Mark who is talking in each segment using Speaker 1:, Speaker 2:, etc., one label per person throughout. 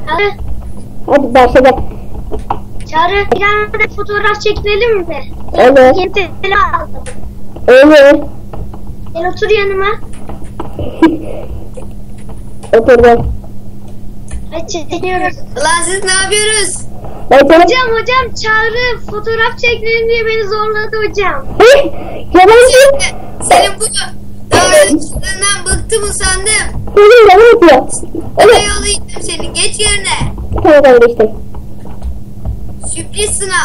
Speaker 1: Hadi.
Speaker 2: Hadi başla.
Speaker 1: Çağrı bir tane fotoğraf çekinelim mi?
Speaker 2: Evet.
Speaker 1: Yeni telefon aldım.
Speaker 2: Evet.
Speaker 1: Gel otur yanıma.
Speaker 2: Oturdum.
Speaker 1: Hadi çekiniyoruz.
Speaker 3: Ulan siz ne yapıyoruz?
Speaker 2: Ben sana...
Speaker 1: Hocam Çağrı fotoğraf çekinelim diye beni zorladı hocam.
Speaker 2: Yalan
Speaker 3: Senin bu davranışlarından bıktım usandım.
Speaker 2: Senin yalan yapıyor.
Speaker 3: Bana
Speaker 2: Evet.
Speaker 3: yollayacağım seni. Geç yerine.
Speaker 2: Tamam kardeşim.
Speaker 3: Sürpriz sınav.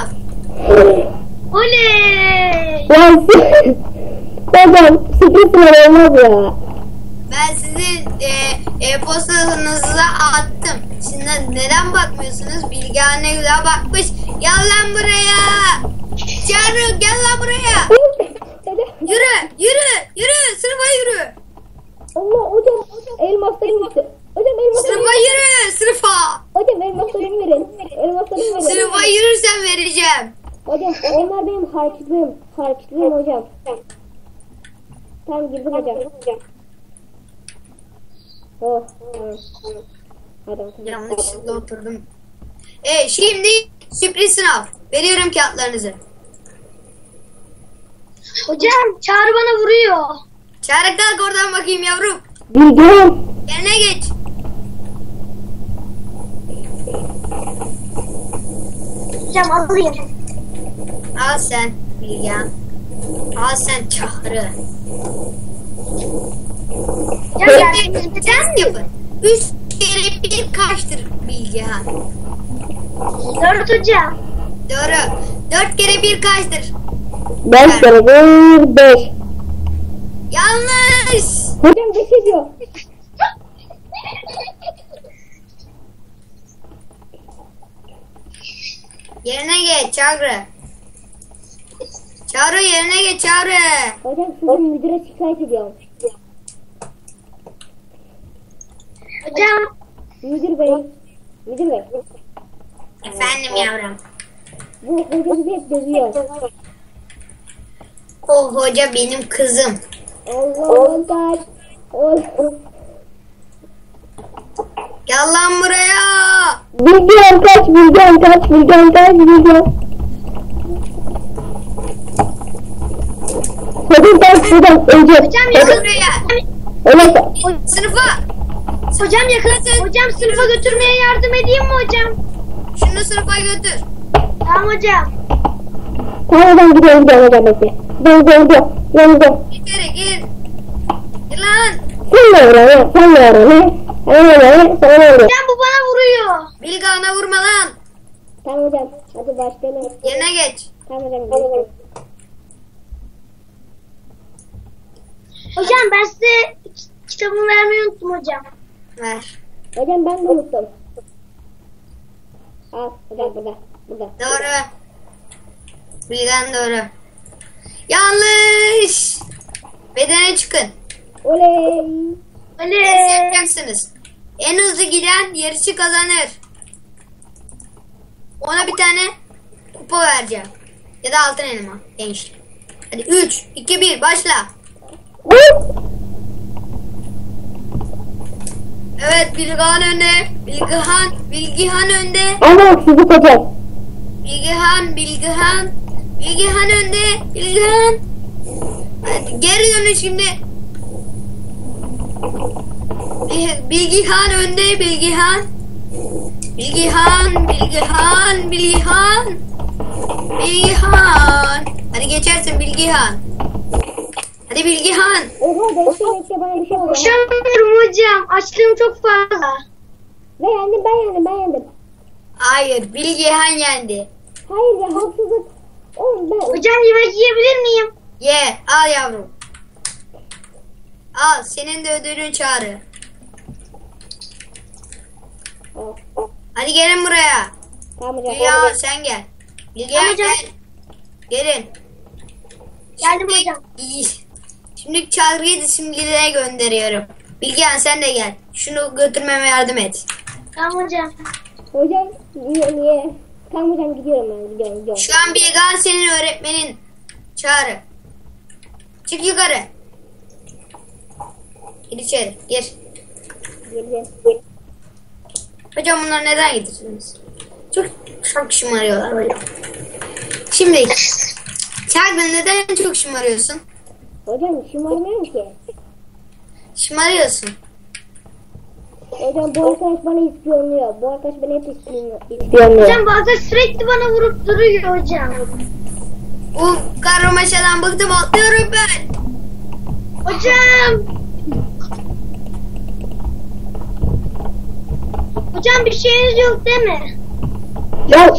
Speaker 1: Oley!
Speaker 2: Ya hocam sürpriz sınav olmaz ya.
Speaker 3: Ben sizin e-postanıza attım. Şimdi neden bakmıyorsunuz? Bilgehan ne güzel bakmış. Gel lan buraya. Çağrı gel lan buraya. Yürü. Sınıfa yürü.
Speaker 2: Allah hocam elmaslarım gitti. Hocam elmaslarım
Speaker 3: Sınıfa yürü. Sınıfa.
Speaker 2: Hocam elmaslarımı verin. Elmaslarımı verin.
Speaker 3: Sınıfa yürürsen vereceğim.
Speaker 2: Hocam onlar benim harçlığım. Harçlığım hocam. Tamam girdim hocam. Oh. Hadi bakalım.
Speaker 3: Yanlışlıkla oturdum. Şimdi sürpriz sınav. Veriyorum kağıtlarınızı.
Speaker 1: Hocam Çağrı bana vuruyor.
Speaker 3: Çağrı kalk oradan bakayım yavrum.
Speaker 2: Bilgiyorum.
Speaker 3: Yerine geç.
Speaker 1: Hocam alayım.
Speaker 3: Al sen Bilgehan. Al sen Çağrı.
Speaker 1: Hocam
Speaker 3: Şimdi test yapın. 3 kere 1 kaçtır Bilgehan?
Speaker 1: 4 hocam.
Speaker 3: Doğru. 4 kere 1 kaçtır?
Speaker 2: 5 kere 1 5.
Speaker 3: Yanlış.
Speaker 2: Hocam 5 ediyor.
Speaker 3: Yerine geç Çağrı. Çağrı yerine geç Çağrı.
Speaker 2: Hocam sizin müdüre şikayet ediyorum.
Speaker 1: Hocam
Speaker 2: Müdür bey. Müdür bey.
Speaker 3: Efendim yavrum.
Speaker 2: Bu hoca bizi hep dövüyor.
Speaker 3: O hoca benim kızım.
Speaker 2: Allah. Allah.
Speaker 3: Gel lan buraya.
Speaker 2: Bilgiyorum kaç. Hocam kaç hocam önce.
Speaker 1: hocam
Speaker 3: Gel
Speaker 1: yakın.
Speaker 3: buraya.
Speaker 2: Evet.
Speaker 3: Sınıfa.
Speaker 1: Hocam yakın. Hocam sınıfa götürmeye yardım edeyim mi hocam?
Speaker 3: Şunu sınıfa götür.
Speaker 1: Tamam hocam.
Speaker 2: Tamam hocam gidiyorum hocam bekle. Yanımda.
Speaker 3: İçeri gir. Gir lan.
Speaker 2: Sen ne öğren? Sen ne öğren? Sana ne öğren?
Speaker 1: Hocam bu bana vuruyor.
Speaker 3: Bilgehan'a vurma lan.
Speaker 2: Tamam hocam. Hadi başlayalım.
Speaker 3: Yerine geç.
Speaker 2: Tamam hocam.
Speaker 1: Hocam ben size kitabımı vermeyi unuttum hocam.
Speaker 3: Ver.
Speaker 2: Hocam ben de unuttum. Al hocam burada.
Speaker 3: Doğru. Bilgehan doğru. Yanlış. Bedene çıkın.
Speaker 2: Oley.
Speaker 3: Test
Speaker 1: Oley.
Speaker 3: yapacaksınız. En hızlı giden yarışı kazanır. Ona bir tane kupa vereceğim. Ya da altın elma. Genç. Hadi 3, 2, 1 başla. Evet Bilgehan önde. Bilgehan önde.
Speaker 2: Ama haksızlık hocam.
Speaker 3: Bilgehan önde. Bilgehan. Hadi geri dönün şimdi. Bilgehan önde. Bilgehan. Hadi geçersin Bilgehan. Hadi Bilgehan.
Speaker 2: Oha bekle bana bir şey oldu.
Speaker 1: Koşamıyorum hocam. Açlığım çok fazla.
Speaker 2: Ve yendim ben yendim.
Speaker 3: Hayır Bilgehan yendi.
Speaker 2: Hayır ya haksızlık. Oğlum ben.
Speaker 1: Hocam yemek yiyebilir miyim?
Speaker 3: Ye al yavrum. Al senin de ödülün Çağrı. Hadi gelin buraya.
Speaker 2: Tamam hocam.
Speaker 3: Bilgehan sen gel. Bilgehan
Speaker 1: Tamam hocam.
Speaker 3: gel. Gelin.
Speaker 1: Geldim
Speaker 3: Şimdi-
Speaker 1: hocam.
Speaker 3: İyi. Şimdi Çağrı'yı disiplinine gönderiyorum. Bilgehan sen de gel. Şunu götürmeme yardım et.
Speaker 1: Tamam hocam.
Speaker 2: Hocam niye? Tamam hocam gidiyorum ben gidiyorum.
Speaker 3: Şu an Bilgehan senin öğretmenin. Çağrı. Çık yukarı. Gir içeri. Gir.
Speaker 2: Geleceğim.
Speaker 3: Hocam bunlar neden getirdiniz? Çok şımarıyorlar hocam. Şimdi Çağrı neden çok şımarıyorsun?
Speaker 2: Hocam şımarmıyorum ki.
Speaker 3: Şımarıyorsun.
Speaker 2: Hocam bu arkadaş bana ispiyonluyor. Bu arkadaş beni hep ispiyonluyor.
Speaker 1: Hocam bazen sürekli bana vurup duruyor hocam.
Speaker 3: Bu karmaşadan bıktım, atlıyorum ben.
Speaker 1: Hocam. Hocam bir şeyiniz yok değil mi?
Speaker 2: Ya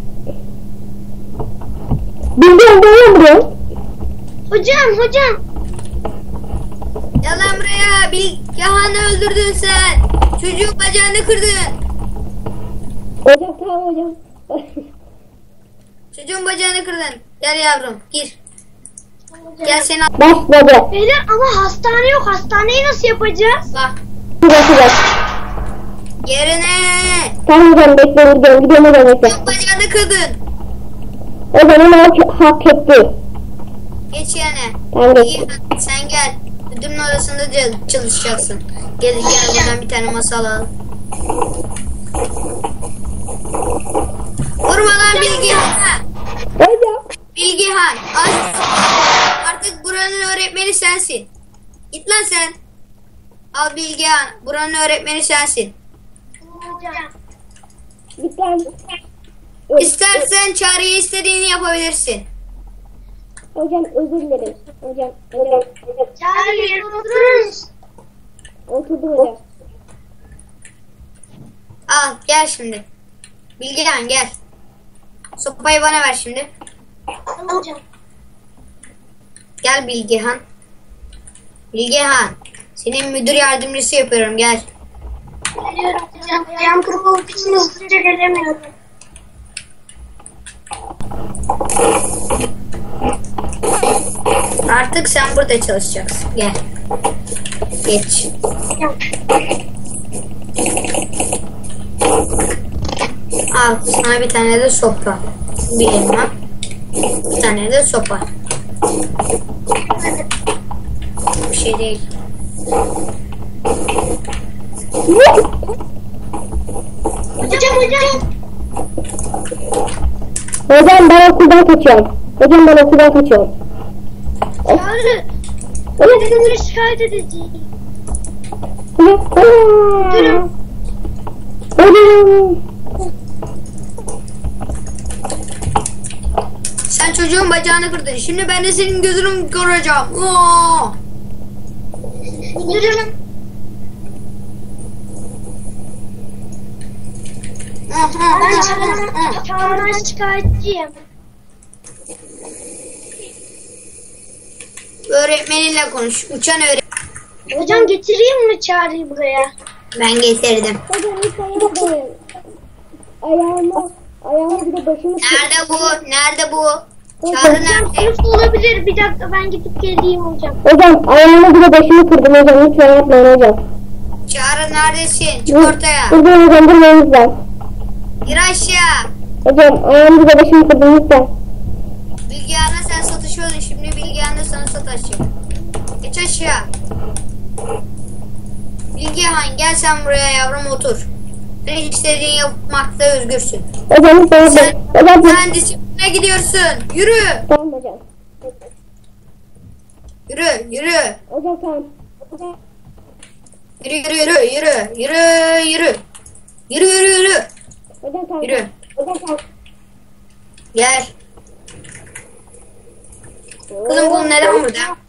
Speaker 2: bildiğin böyle vuruyor.
Speaker 1: Hocam.
Speaker 3: Gel lan buraya. Bilgehan'ı öldürdün sen. Çocuğun bacağını kırdın.
Speaker 2: Hocam tamam hocam.
Speaker 3: Çocuğun bacağını kırdın. Gel yavrum gir. Gel seni al.
Speaker 2: Başladı.
Speaker 1: Beyler ama hastane yok. Hastaneyi nasıl yapacağız?
Speaker 3: Bak.
Speaker 2: Başlayacak.
Speaker 3: Yerine.
Speaker 2: Tamam hocam bekle gidiyorum. Gidiyorum hocam bekle.
Speaker 3: Çocuğun bacağını kırdın.
Speaker 2: O zaman hak etti.
Speaker 3: Geç yerine.
Speaker 2: Tamam geç.
Speaker 3: İyi, sen gel. Müdürün odasında çalışacaksın. Gel buradan bir tane masa alalım. Vurma lan Bilgehan.
Speaker 2: Hocam.
Speaker 3: Bilgehan. Artık buranın öğretmeni sensin. Git lan sen. Al Bilgehan. Buranın öğretmeni sensin.
Speaker 1: Hocam.
Speaker 2: Lütfen.
Speaker 3: İstersen Çağrı'ya istediğini yapabilirsin.
Speaker 2: Hocam özür dilerim. Hocam.
Speaker 1: Çağrı yerine oturur musun?
Speaker 2: Oturdum hocam.
Speaker 3: Al gel şimdi. Bilgehan gel. Sopayı bana ver şimdi.
Speaker 1: Hocam.
Speaker 3: Gel Bilgehan. Bilgehan. Senin müdür yardımcısı yapıyorum gel.
Speaker 1: Geliyorum hocam. Ayağım kırık olduğu için hızlıca gelemiyorum.
Speaker 3: Artık sen burada çalışacaksın. Gel. Geç. Al sana bir tane de sopa. Bir elma. Bir tane de sopa. Bir şey değil.
Speaker 1: Hocam.
Speaker 2: Hocam ben okuldan kaçıyorum.
Speaker 1: Çağrı. Öğretmenleri şikayet edeceğim.
Speaker 2: Hocam.
Speaker 3: Sen çocuğun bacağını kırdın. Şimdi ben de senin gözünü kıracağım. Oo!
Speaker 1: Müdürüm. Ben Çağrı'dan şikayetçiyim.
Speaker 3: Öğretmeninle konuş. Uçan öğretmen.
Speaker 1: Hocam getireyim mi Çağrı'yı buraya?
Speaker 3: Ben getirdim.
Speaker 2: Hocam lütfen yapmayın. Ayağımı bir de başımı
Speaker 3: Nerede bu? Nerede bu? Çağrı
Speaker 1: Hocam
Speaker 3: nerede?
Speaker 1: sınıfta olabilir. Bir dakika ben gidip geleyim hocam.
Speaker 2: Hocam ayağımı bir de başımı kırdım hocam. Lütfen yapmayın hocam.
Speaker 3: Çağrı neredesin? Çık ortaya.
Speaker 2: Hocam durmayın lütfen.
Speaker 3: Gir aşağı.
Speaker 2: Hocam ayağımı bir de başımı kırdım lütfen.
Speaker 3: Bilgehan'a sen satışıyordun. Şimdi Bilgehan da sana sataşacak. Geç aşağı. Bilgehan gel sen buraya yavrum otur. Sen istediğin yapmakta özgürsün.
Speaker 2: Hocam lütfen yapmayın. Hocam
Speaker 3: Sen disipline gidiyorsun. Yürü.
Speaker 2: tamam hocam.
Speaker 3: Yürü. Yürü.
Speaker 2: Hocam tamam. Hocam.
Speaker 3: Yürü. Yürü.
Speaker 2: Hocam tamam.
Speaker 3: Yürü.
Speaker 2: Hocam tamam.
Speaker 3: Gel. Kızım bu neden burada?